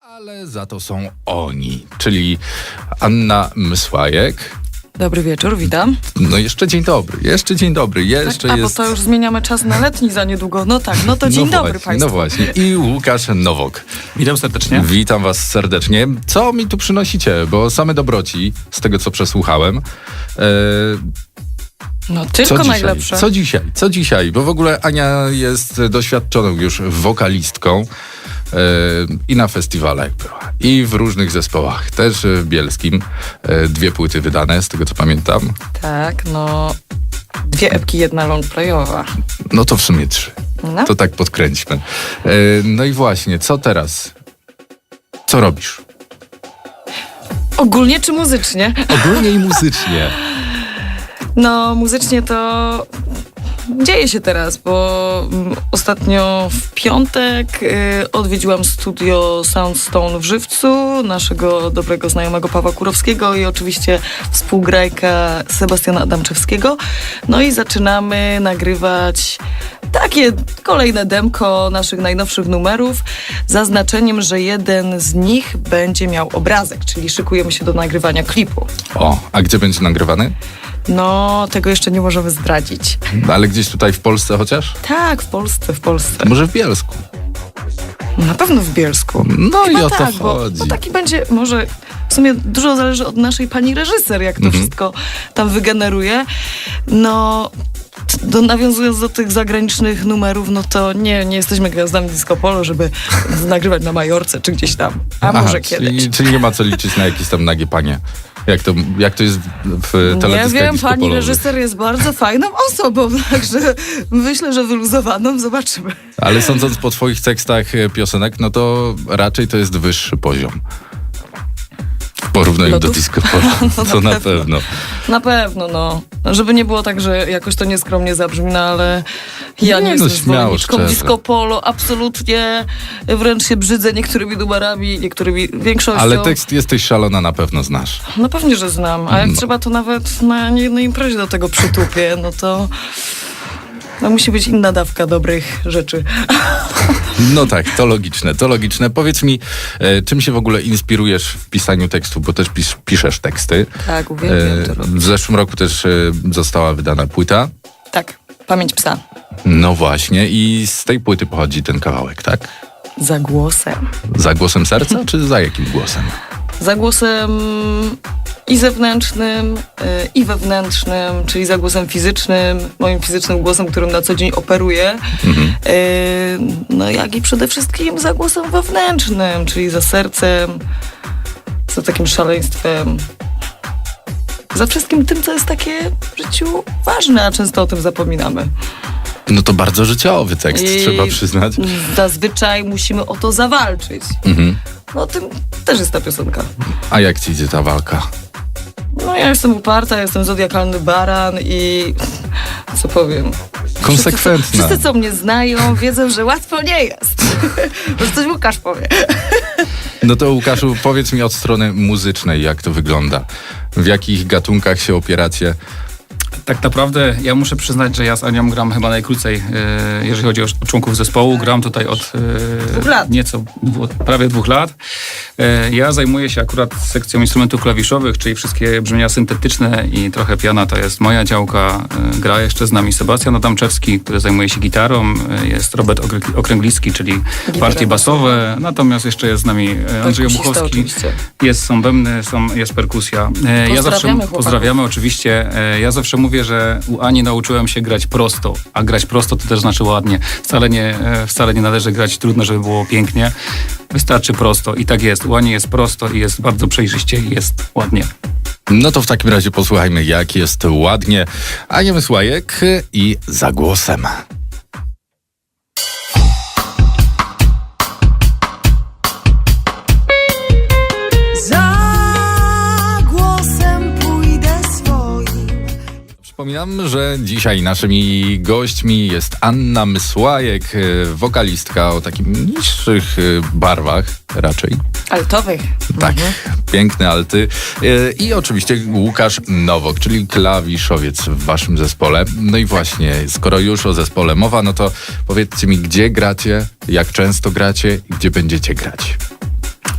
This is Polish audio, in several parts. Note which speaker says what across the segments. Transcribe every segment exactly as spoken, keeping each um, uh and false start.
Speaker 1: Ale za to są oni, czyli Anna Mysłajek.
Speaker 2: Dobry wieczór, witam.
Speaker 1: No jeszcze dzień dobry, jeszcze dzień dobry, jeszcze
Speaker 2: tak, a,
Speaker 1: jest...
Speaker 2: bo to już zmieniamy czas na letni za niedługo. No tak, no to dzień
Speaker 1: no
Speaker 2: dobry
Speaker 1: właśnie,
Speaker 2: Państwu.
Speaker 1: No właśnie, i Łukasz Nowok.
Speaker 3: Witam serdecznie.
Speaker 1: Witam was serdecznie. Co mi tu przynosicie? Bo same dobroci, z tego co przesłuchałem. E,
Speaker 2: No
Speaker 1: co
Speaker 2: tylko
Speaker 1: dzisiaj?
Speaker 2: najlepsze.
Speaker 1: Co dzisiaj? Co dzisiaj? Bo w ogóle Ania jest doświadczoną już wokalistką. I na festiwalach była. I w różnych zespołach. Też w bielskim. Dwie płyty wydane, z tego co pamiętam.
Speaker 2: Tak, no dwie epki, jedna longplayowa.
Speaker 1: No to w sumie trzy.
Speaker 2: No.
Speaker 1: To tak podkręćmy. No i właśnie, co teraz? Co robisz?
Speaker 2: Ogólnie czy muzycznie?
Speaker 1: Ogólnie i muzycznie.
Speaker 2: No muzycznie to dzieje się teraz, bo mm, ostatnio w piątek y, odwiedziłam studio Soundstone w Żywcu, naszego dobrego znajomego Pawła Kurowskiego i oczywiście współgrajka Sebastiana Adamczewskiego. No i zaczynamy nagrywać takie kolejne demko naszych najnowszych numerów, z zaznaczeniem, że jeden z nich będzie miał obrazek, czyli szykujemy się do nagrywania klipu.
Speaker 1: O, a gdzie będzie nagrywany?
Speaker 2: No, tego jeszcze nie możemy zdradzić.
Speaker 1: Ale gdzieś tutaj w Polsce chociaż?
Speaker 2: Tak, w Polsce, w Polsce.
Speaker 1: Może w Bielsku?
Speaker 2: Na pewno w Bielsku.
Speaker 1: No
Speaker 2: Chyba
Speaker 1: i o to
Speaker 2: tak, bo,
Speaker 1: chodzi.
Speaker 2: bo taki będzie, może w sumie dużo zależy od naszej pani reżyser, jak to
Speaker 1: Mhm.
Speaker 2: wszystko tam wygeneruje. No, do, nawiązując do tych zagranicznych numerów, no to nie, nie jesteśmy gwiazdami disco polo, żeby nagrywać na Majorce czy gdzieś tam. A
Speaker 1: Aha,
Speaker 2: może kiedyś.
Speaker 1: Czyli, czyli nie ma co liczyć na jakieś tam nagie panie. Jak to, jak to jest w
Speaker 2: Nie
Speaker 1: teledyskach
Speaker 2: wiem,
Speaker 1: disco
Speaker 2: pani
Speaker 1: polowych.
Speaker 2: reżyser jest bardzo fajną osobą, także myślę, że wyluzowaną, zobaczymy.
Speaker 1: Ale sądząc po twoich tekstach e, piosenek, no to raczej to jest wyższy poziom. W porównaniu
Speaker 2: Lodów?
Speaker 1: do disco polo.
Speaker 2: No
Speaker 1: To
Speaker 2: na
Speaker 1: na
Speaker 2: pewno.
Speaker 1: pewno.
Speaker 2: Na pewno, no. Żeby nie było tak, że jakoś to nieskromnie zabrzmi, no ale ja nie,
Speaker 1: Nie, no,
Speaker 2: jestem
Speaker 1: śmiało,
Speaker 2: zwolenniczką
Speaker 1: szczerze.
Speaker 2: disco polo, absolutnie. Wręcz się brzydzę niektórymi numerami, niektórymi większością.
Speaker 1: Ale tekst Jesteś szalona na pewno znasz.
Speaker 2: No pewnie, że znam, a jak
Speaker 1: No.
Speaker 2: trzeba, to nawet na niejednej imprezie do tego przytupię, no to... No musi być inna dawka dobrych rzeczy.
Speaker 1: No tak, to logiczne, to logiczne. Powiedz mi, e, czym się w ogóle inspirujesz w pisaniu tekstu, bo też pis, piszesz teksty.
Speaker 2: Tak, uwielbiam to
Speaker 1: E,
Speaker 2: robić.
Speaker 1: w zeszłym roku też e, została wydana płyta.
Speaker 2: Tak, Pamięć psa.
Speaker 1: No właśnie, i z tej płyty pochodzi ten kawałek, tak?
Speaker 2: Za głosem.
Speaker 1: Za głosem serca, czy za jakim głosem?
Speaker 2: Za głosem i zewnętrznym, y, i wewnętrznym, czyli za głosem fizycznym, moim fizycznym głosem, którym na co dzień operuję,
Speaker 1: Mhm.
Speaker 2: y, no jak i przede wszystkim za głosem wewnętrznym, czyli za sercem, za takim szaleństwem, za wszystkim tym, co jest takie w życiu ważne, a często o tym zapominamy.
Speaker 1: No to bardzo życiowy tekst,
Speaker 2: I
Speaker 1: trzeba przyznać.
Speaker 2: Zazwyczaj musimy o to zawalczyć.
Speaker 1: Mhm.
Speaker 2: No o tym też jest ta piosenka.
Speaker 1: A jak ci idzie ta walka?
Speaker 2: No ja jestem uparta, jestem zodiakalny baran i co powiem?
Speaker 1: Konsekwentna.
Speaker 2: Wszyscy, co- wszyscy, co mnie znają, wiedzą, że łatwo nie jest. Może coś Łukasz powie.
Speaker 1: No to Łukaszu, powiedz mi od strony muzycznej, jak to wygląda. W jakich gatunkach się opieracie?
Speaker 3: Tak naprawdę ja muszę przyznać, że ja z Anią gram chyba najkrócej, e, jeżeli chodzi o, o członków zespołu. Gram tutaj od e,
Speaker 2: Dwóch lat.
Speaker 3: nieco, dwu, prawie dwóch lat. E, ja zajmuję się akurat sekcją instrumentów klawiszowych, czyli wszystkie brzmienia syntetyczne i trochę piana to jest moja działka. E, gra jeszcze z nami Sebastian Adamczewski, który zajmuje się gitarą. E, jest Robert Okrę- Okręglicki, czyli partie basowe. Natomiast jeszcze jest z nami e, Andrzej
Speaker 2: Perkusista
Speaker 3: Obuchowski.
Speaker 2: oczywiście.
Speaker 3: Jest, są bębny, są, jest perkusja. E, ja zawsze
Speaker 2: chłopaków.
Speaker 3: pozdrawiamy oczywiście. E, ja zawsze mówię, że u Ani nauczyłem się grać prosto, a grać prosto to też znaczy ładnie. Wcale nie, e, wcale nie należy grać trudno, żeby było pięknie. Wystarczy prosto i tak jest. U Ani jest prosto i jest bardzo przejrzyście i jest ładnie.
Speaker 1: No to w takim razie posłuchajmy, jak jest ładnie. Ania Mysłajek i Za głosem.
Speaker 4: Za głosem pójdę swoim.
Speaker 1: Przypominam, że dzisiaj naszymi gośćmi jest Anna Mysłajek, e, wokalistka o takim niższych e, barwach raczej.
Speaker 2: Altowych.
Speaker 1: Tak, piękne alty. E, I oczywiście Łukasz Nowok, czyli klawiszowiec w waszym zespole. No i właśnie, skoro już o zespole mowa, no to powiedzcie mi, gdzie gracie, jak często gracie i gdzie będziecie grać.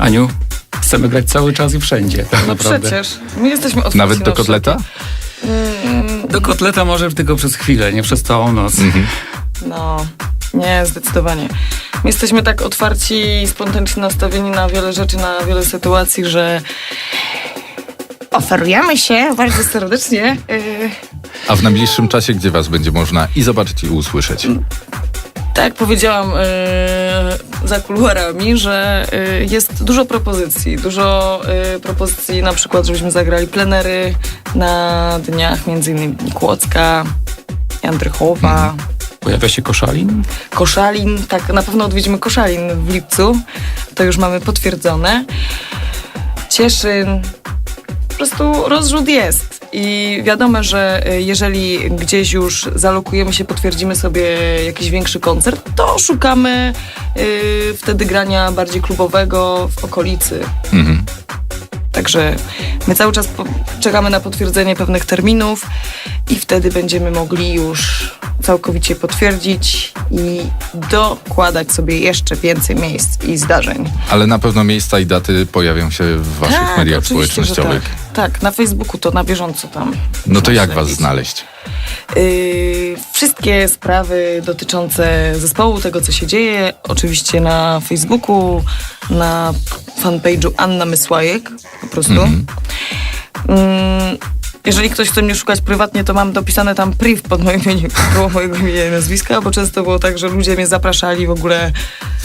Speaker 3: Aniu, chcemy grać cały czas i wszędzie. Tak
Speaker 2: No
Speaker 3: naprawdę.
Speaker 2: przecież. My jesteśmy otwarci
Speaker 1: Nawet
Speaker 2: na
Speaker 1: do kotleta?
Speaker 3: Do kotleta może tylko przez chwilę, nie przez całą noc.
Speaker 1: Mhm.
Speaker 2: No, nie, zdecydowanie. My jesteśmy tak otwarci i spontanicznie nastawieni na wiele rzeczy, na wiele sytuacji, że oferujemy się bardzo serdecznie. Yy,
Speaker 1: A w najbliższym czasie gdzie was będzie można i zobaczyć, i usłyszeć?
Speaker 2: tak jak powiedziałam yy, za kuluarami, że yy, jest dużo propozycji. Dużo yy, propozycji na przykład, żebyśmy zagrali plenery na dniach, między innymi Kłodzka, Jędrychowa.
Speaker 3: Pojawia się Koszalin.
Speaker 2: Koszalin, tak, na pewno odwiedzimy Koszalin w lipcu, to już mamy potwierdzone. Cieszyn, po prostu rozrzut jest i wiadomo, że y, jeżeli gdzieś już zalokujemy się, potwierdzimy sobie jakiś większy koncert, to szukamy y, wtedy grania bardziej klubowego w okolicy.
Speaker 1: Mhm.
Speaker 2: Także my cały czas po- czekamy na potwierdzenie pewnych terminów i wtedy będziemy mogli już całkowicie potwierdzić i dokładać sobie jeszcze więcej miejsc i zdarzeń.
Speaker 1: Ale na pewno miejsca i daty pojawią się w waszych mediach
Speaker 2: oczywiście, że
Speaker 1: społecznościowych.
Speaker 2: Tak. tak, na Facebooku to na bieżąco tam.
Speaker 1: No to
Speaker 2: można
Speaker 1: jak was
Speaker 2: śledzić.
Speaker 1: znaleźć?
Speaker 2: Yy, wszystkie sprawy dotyczące zespołu, tego co się dzieje, oczywiście na Facebooku, na fanpage'u Anna Mysłajek, po prostu.
Speaker 1: Mhm.
Speaker 2: Mm, jeżeli ktoś chce mnie szukać prywatnie, to mam dopisane tam priv pod moim imieniem, było mojego imienia i nazwiska, bo często było tak, że ludzie mnie zapraszali w ogóle.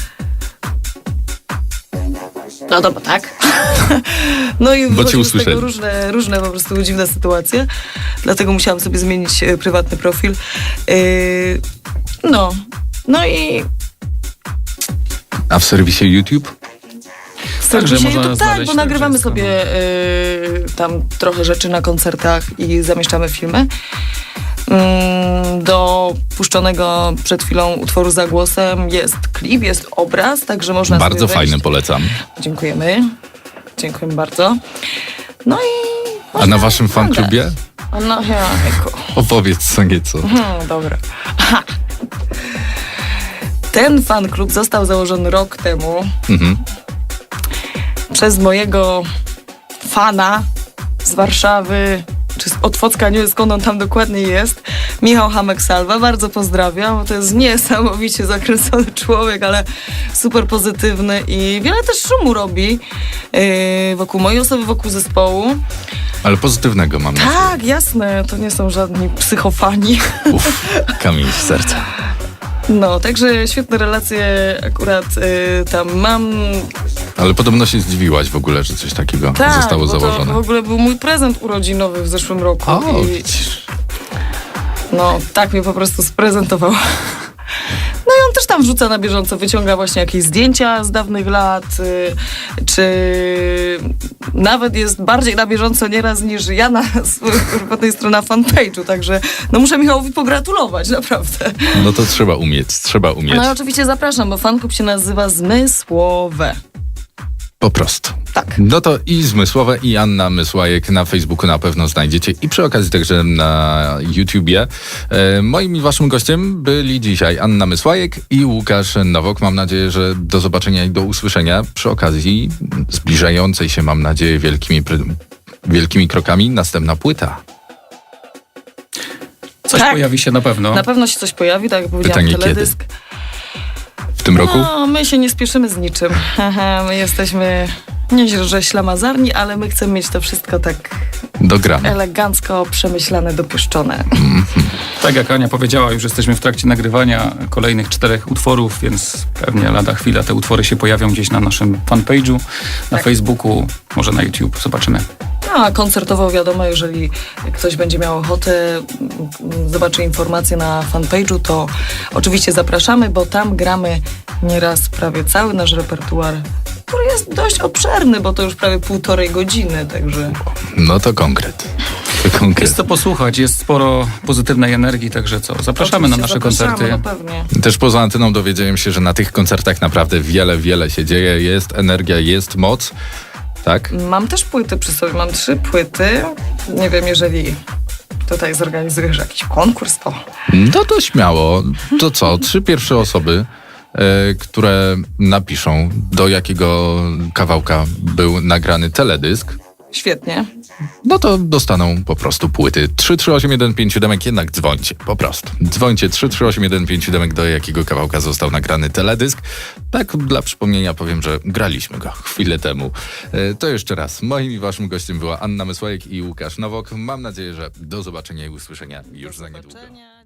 Speaker 2: No dobra, tak. No i
Speaker 1: Bo cię
Speaker 2: wychodziły z tego
Speaker 1: usłyszeli.
Speaker 2: różne, różne po prostu dziwne sytuacje. Dlatego musiałam sobie zmienić e, prywatny profil. Yy, no. No i
Speaker 1: A w serwisie YouTube?
Speaker 3: Także
Speaker 2: Dzisiaj
Speaker 3: można
Speaker 2: to tak,
Speaker 3: znaleźć
Speaker 2: bo
Speaker 3: tak
Speaker 2: nagrywamy
Speaker 3: wszystko,
Speaker 2: sobie y, tam trochę rzeczy na koncertach i zamieszczamy filmy. Mm, do puszczonego przed chwilą utworu Za głosem jest klip, jest obraz, także można
Speaker 1: Bardzo
Speaker 2: sobie wejść.
Speaker 1: fajny, polecam.
Speaker 2: Dziękujemy. Dziękujemy bardzo. No i...
Speaker 1: A na waszym fanklubie?
Speaker 2: A no, jajku.
Speaker 1: Opowiedz co nieco.
Speaker 2: Hmm, dobra. Aha. Ten fan klub został założony rok temu
Speaker 1: Mhm.
Speaker 2: przez mojego fana z Warszawy, czy z Otwocka, nie wiem skąd on tam dokładnie jest, Michał Hamek-Salwa. Bardzo pozdrawiam, bo to jest niesamowicie zakręcony człowiek, ale super pozytywny i wiele też szumu robi yy, wokół mojej osoby, wokół zespołu.
Speaker 1: Ale pozytywnego mam na
Speaker 2: Tak, jasne, to nie są żadni psychofani.
Speaker 1: Uff, kamień w serca.
Speaker 2: No, także świetne relacje akurat y, tam mam.
Speaker 1: Ale podobno się zdziwiłaś w ogóle, że coś takiego
Speaker 2: Tak,
Speaker 1: zostało
Speaker 2: bo to
Speaker 1: założone.
Speaker 2: w ogóle był mój prezent urodzinowy w zeszłym roku.
Speaker 1: O,
Speaker 2: I,
Speaker 1: widzisz.
Speaker 2: no, tak mnie po prostu sprezentował. No i on też tam wrzuca na bieżąco, wyciąga właśnie jakieś zdjęcia z dawnych lat, y, czy nawet jest bardziej na bieżąco nieraz niż ja na swojej prywatnej stronie na fanpage'u, także no muszę Michałowi pogratulować, naprawdę.
Speaker 1: No to trzeba umieć, trzeba umieć.
Speaker 2: No i oczywiście zapraszam, bo fanklub się nazywa Zmysłowe.
Speaker 1: Po prostu.
Speaker 2: Tak.
Speaker 1: No to i Zmysłowe, i Anna Mysłajek na Facebooku na pewno znajdziecie i przy okazji także na YouTubie. E, moim i waszym gościem byli dzisiaj Anna Mysłajek i Łukasz Nowok. Mam nadzieję, że do zobaczenia i do usłyszenia przy okazji zbliżającej się, mam nadzieję, wielkimi, pry- wielkimi krokami następna płyta.
Speaker 3: Coś
Speaker 2: Tak.
Speaker 3: pojawi się na pewno.
Speaker 2: Na pewno się coś pojawi, tak jak powiedziałam,
Speaker 1: Pytanie,
Speaker 2: teledysk.
Speaker 1: W tym roku?
Speaker 2: No, my się nie spieszymy z niczym. My jesteśmy nie że ślamazarni, ale my chcemy mieć to wszystko tak
Speaker 1: Dograne.
Speaker 2: elegancko, przemyślane, dopieszczone.
Speaker 3: Tak jak Ania powiedziała, już jesteśmy w trakcie nagrywania kolejnych czterech utworów, więc pewnie lada chwila te utwory się pojawią gdzieś na naszym fanpage'u, na
Speaker 2: Tak.
Speaker 3: Facebooku, może na YouTube. Zobaczymy.
Speaker 2: No, a koncertowo wiadomo, jeżeli ktoś będzie miał ochotę, mm, zobaczy informacje na fanpage'u, to oczywiście zapraszamy, bo tam gramy nieraz prawie cały nasz repertuar, który jest dość obszerny, bo to już prawie półtorej godziny, także...
Speaker 1: No to konkret. To konkret.
Speaker 3: Jest co posłuchać, jest sporo pozytywnej energii, także co, zapraszamy na
Speaker 2: Oczywiście
Speaker 3: nasze
Speaker 2: zapraszamy,
Speaker 3: koncerty.
Speaker 2: No pewnie.
Speaker 1: Też poza anteną dowiedziałem się, że na tych koncertach naprawdę wiele, wiele się dzieje. Jest energia, jest moc. Tak?
Speaker 2: Mam też płyty przy sobie, mam trzy płyty. Nie wiem, jeżeli tutaj zorganizujesz jakiś konkurs, to...
Speaker 1: No to śmiało. To co? Trzy pierwsze osoby e, które napiszą, do jakiego kawałka był nagrany teledysk,
Speaker 2: Świetnie.
Speaker 1: no to dostaną po prostu płyty. trzy trzy osiem jeden pięć siedem, jednak dzwońcie, po prostu. Dzwońcie trzy trzy osiem jeden pięć siedem, do jakiego kawałka został nagrany teledysk. Tak dla przypomnienia powiem, że graliśmy go chwilę temu. E, To jeszcze raz. Moim i waszym gościem była Anna Mysłajek i Łukasz Nowok. Mam nadzieję, że do zobaczenia i usłyszenia już za niedługo.
Speaker 2: Zobaczenia.